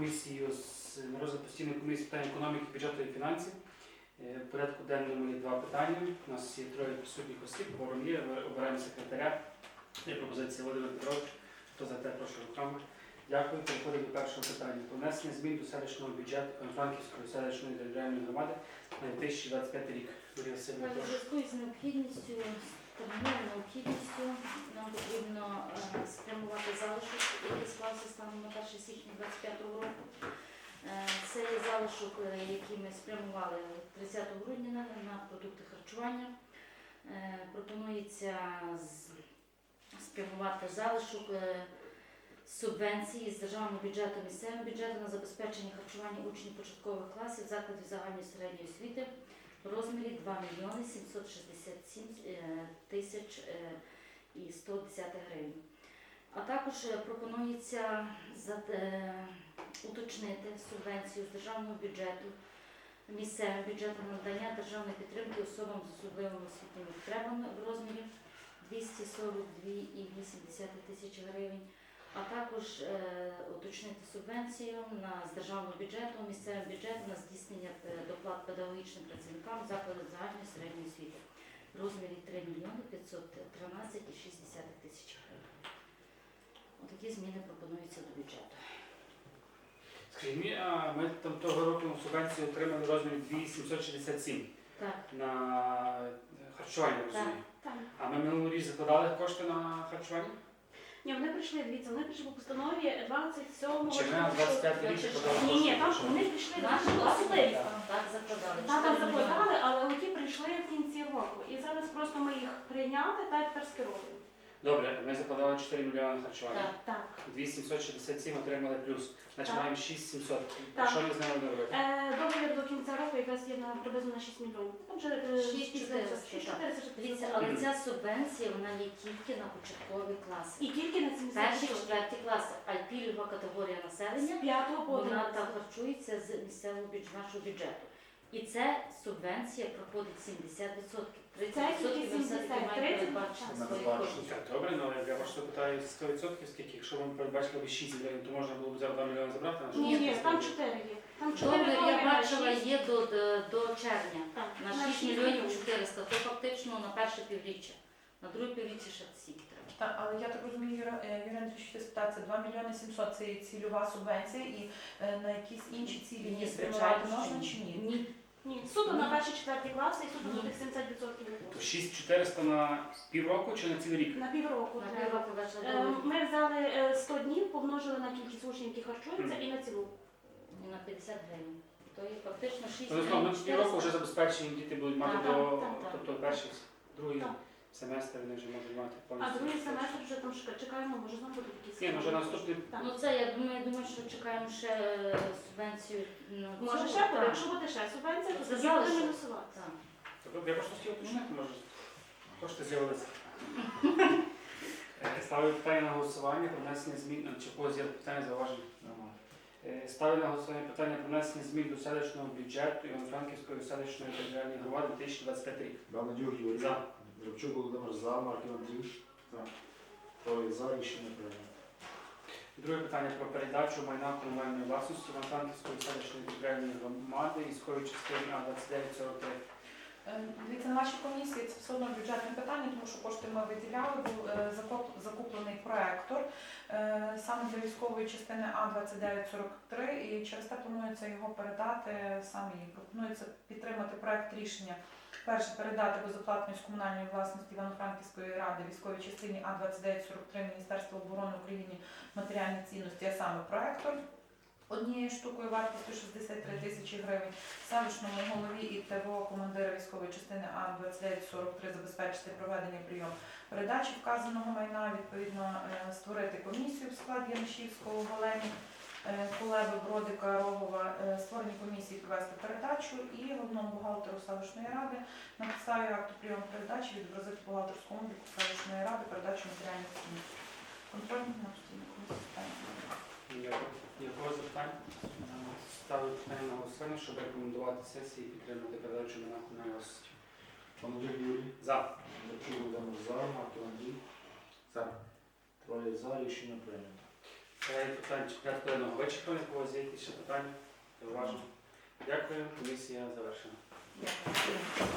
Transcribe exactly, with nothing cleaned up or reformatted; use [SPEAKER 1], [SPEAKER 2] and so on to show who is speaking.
[SPEAKER 1] комісію з на розгляд постійної комісії з питань економіки, бюджету і фінансів. В порядку денному є два питання. У нас є троє присутніх осіб, форум є, ми обираємо секретаря. Є пропозиція Володимир Петрович. Хто за те, прошу руками. Дякую. Переходимо до першого питання. Про внесення змін до селищного бюджету Франківської селищної територіальної громади на дві тисячі двадцять п'ятий рік. Марія Васильівна,
[SPEAKER 2] У
[SPEAKER 1] прошу.
[SPEAKER 2] зв'язку з необхідністю, терміновою необхідністю, нам потрібно е, спрямувати залишок, який склався станом на перше січня двадцять п'ятого року. Е, Це є залишок, е, який ми спрямували тридцятого грудня на, на продукти харчування. Е, Пропонується з- спрямувати залишок е, субвенції з державного бюджету, місцевого бюджету на забезпечення харчування учнів початкових класів закладів загальної середньої освіти в розмірі два мільйони сімсот шістдесят сім тисяч і сто десять гривень. А також е, пропонується за- е, уточнити субвенцію з державного бюджету, місцевим бюджетом на надання державної підтримки особам з особливими освітніми потребами в розмірі двісті сорок дві цілих вісім десятих тисячі гривень, а також е, уточнити субвенцію на, з державного бюджету, місцевим бюджетом на здійснення е, доплат педагогічним працівникам закладів загальної середньої освіти в розмірі три мільйони п'ятсот тринадцять цілих шість десятих тисяч гривень. Отакі зміни пропонуються до бюджету.
[SPEAKER 1] Скажіть мені, а ми там того року субвенцію отримали в розмірі дві тисячі сімсот шістдесят сім
[SPEAKER 2] Так,
[SPEAKER 1] на харчування, розумію.
[SPEAKER 3] Так.
[SPEAKER 1] А ми минулого рік закладали кошти на харчування?
[SPEAKER 3] Ні, вони прийшли, дивіться, вони прийшли по постанові двадцять сьомого.
[SPEAKER 1] Чи ми на двадцять п'ятий рік
[SPEAKER 2] Значить,
[SPEAKER 1] закладали
[SPEAKER 3] Ні,
[SPEAKER 1] кошти?
[SPEAKER 3] ні, там
[SPEAKER 1] Що?
[SPEAKER 3] вони прийшли,
[SPEAKER 2] наші
[SPEAKER 3] наші
[SPEAKER 2] власні
[SPEAKER 3] особливі.
[SPEAKER 2] так закладали.
[SPEAKER 3] Та там
[SPEAKER 2] чотири мільйони.
[SPEAKER 3] закладали, але оті прийшли в кінці року. І зараз просто ми їх прийняли та тепер скеровуємо.
[SPEAKER 1] Добре, ми закладали чотири мільйони на харчування.
[SPEAKER 2] Так.
[SPEAKER 3] Так.
[SPEAKER 1] дві тисячі сімсот шістдесят сім отримали плюс. Значить,
[SPEAKER 3] Так.
[SPEAKER 1] маємо шість тисяч сімсот.
[SPEAKER 3] Так.
[SPEAKER 1] Що ми з ними робити?
[SPEAKER 3] Е, договір до кінця року якраз є на приблизно на шість мільйонів. Там вже е,
[SPEAKER 2] шість
[SPEAKER 3] шість
[SPEAKER 2] чотириста,
[SPEAKER 3] шість
[SPEAKER 2] так.
[SPEAKER 3] чотириста, шість
[SPEAKER 2] Дивіться,
[SPEAKER 3] чотириста.
[SPEAKER 2] але ця субвенція вона є тільки на початкові класи.
[SPEAKER 3] І тільки на сімдесят
[SPEAKER 2] Перші,
[SPEAKER 3] відсотків.
[SPEAKER 2] четверті класи, а пільгова категорія
[SPEAKER 3] З
[SPEAKER 2] населення,
[SPEAKER 3] п'ятого по
[SPEAKER 2] вона там
[SPEAKER 3] одинадцяте.
[SPEAKER 2] харчується з місцевого бюджету, нашого бюджету. І це субвенція проходить сімдесят відсотків. тридцять відсотків ви все-таки маєте
[SPEAKER 3] тридцять,
[SPEAKER 2] передбачити
[SPEAKER 3] так.
[SPEAKER 2] свої
[SPEAKER 4] Передбачити.
[SPEAKER 2] кошти.
[SPEAKER 1] Так, добре, ну я вас питаю сто відсотків, скільки, якщо вам передбачили б шість мільйонів, то можна було б за два мільйони забрати? на що
[SPEAKER 3] Ні, ні,
[SPEAKER 1] це
[SPEAKER 3] там
[SPEAKER 1] зробити?
[SPEAKER 3] чотири є. Там чотири
[SPEAKER 2] Договір
[SPEAKER 3] договір
[SPEAKER 2] я
[SPEAKER 3] на
[SPEAKER 2] бачила
[SPEAKER 3] шість.
[SPEAKER 2] є до, до, до червня
[SPEAKER 3] Так,
[SPEAKER 2] на
[SPEAKER 3] на
[SPEAKER 2] шість
[SPEAKER 3] шість
[SPEAKER 2] мільйонів чотириста, то фактично на перше півріччя. На друге півріччя ще стільки треба.
[SPEAKER 5] Так, але я так розумію, Юра- е, Юрій Андрійович, ти спитається, два мільйони сімсот це є цільова субвенція, і е, на якісь інші цілі
[SPEAKER 2] Ні,
[SPEAKER 5] її
[SPEAKER 2] звичайно,
[SPEAKER 5] спрямувати
[SPEAKER 2] що
[SPEAKER 5] можна
[SPEAKER 2] ні.
[SPEAKER 5] чи ні?
[SPEAKER 2] Ні.
[SPEAKER 3] Ні, суто на перші четверті класи і суто
[SPEAKER 2] Ні.
[SPEAKER 3] на тих сімдесят відсотків не
[SPEAKER 1] То
[SPEAKER 3] було.
[SPEAKER 1] шість тисяч чотириста на півроку чи на цілий рік?
[SPEAKER 3] На півроку
[SPEAKER 2] На
[SPEAKER 3] треба.
[SPEAKER 2] півроку бачила
[SPEAKER 3] Е,
[SPEAKER 2] договір.
[SPEAKER 3] Ми взяли е, сто днів, помножили на кількість учнів, які харчуються, і на цілу.
[SPEAKER 2] І на п'ятдесят гривень. То є фактично шість
[SPEAKER 1] Тобто на
[SPEAKER 2] мільйонів
[SPEAKER 1] півроку вже
[SPEAKER 2] чотириста.
[SPEAKER 1] забезпечені діти будуть мати
[SPEAKER 2] Так,
[SPEAKER 1] до,
[SPEAKER 3] так, так.
[SPEAKER 1] тобто перший, другий
[SPEAKER 3] Так.
[SPEAKER 1] семестр вони вже можуть мати
[SPEAKER 3] А
[SPEAKER 1] повністю.
[SPEAKER 3] другий семестр вже там чека- чекаємо, може знову буде якісь.
[SPEAKER 1] Ні, ну вже наступний.
[SPEAKER 3] Так.
[SPEAKER 2] Ну це я думаю, я думаю, що чекаємо ще е, субвенцію. Ну,
[SPEAKER 3] Може
[SPEAKER 2] цього,
[SPEAKER 3] ще буде,
[SPEAKER 2] так.
[SPEAKER 3] якщо буде ще субвенція, то
[SPEAKER 2] Це
[SPEAKER 3] тоді
[SPEAKER 2] залишок.
[SPEAKER 3] буде мінусувати.
[SPEAKER 2] Так.
[SPEAKER 1] Тобто я просто хотів уточнити, може кошти з'явилися. Е, Ставлю питання на голосування про внесення змін, а, чи в когось є питання зауваження? Е, Ставлю на голосування питання про внесення змін до селищного бюджету Івано-Франківської селищної територіальної громади дві тисячі двадцять п'ятий рік.
[SPEAKER 4] Бабнадюк Юрій.
[SPEAKER 1] За.
[SPEAKER 4] Гребчук Володимир за. Марків Андрій.
[SPEAKER 1] За.
[SPEAKER 4] Троє за. Рішення прийнято.
[SPEAKER 1] Друге питання про передачу майна комунальної власності Івано-Франківської селищної територіальної громади військової частини А двадцять дев'ять сорок три.
[SPEAKER 5] Е, Дивіться, на вашій комісії це все одно бюджетне питання, тому що кошти ми виділяли, був е, закуп- закуплений проектор е, саме для військової частини А двадцять дев'ять сорок три, і через те планується його передати саме їй. Пропонується підтримати проект рішення. Перше, передати безоплатної з комунальної власності Івано-Франківської ради військовій частині А двадцять дев'ять сорок три Міністерства оборони України матеріальні цінності, а саме проектор. Однією штукою вартістю шістдесят три тисячі гривень, селищному голові і ТВО командира військової частини А двадцять дев'ять сорок три забезпечити проведення прийом передачі вказаного майна, відповідно е, створити комісію в складі Янишівського, Голені, е, Кулеби, Бродика, Рогова, е, створені комісії провести передачу і головному бухгалтеру селищної ради на підставі акту прийому передачі відобразити в бухгалтерському обліку селищної ради передачу матеріальних цінностей. Контрольних на постійну комісію.
[SPEAKER 1] Якого запитання? Ставлю питання на голосування, щоб рекомендувати сесії підтримати передачу майна комунальної власності.
[SPEAKER 4] Бабнадюк Юрій.
[SPEAKER 1] За.
[SPEAKER 4] Гребчук Володимир за. Марків Андрій.
[SPEAKER 1] За.
[SPEAKER 4] Троє за. Рішення прийнято.
[SPEAKER 1] Перелік питань чи порядку денного вичерпаний, у когось є якісь ще питання? Уважно. Дякую, комісія завершена.
[SPEAKER 5] Дякую.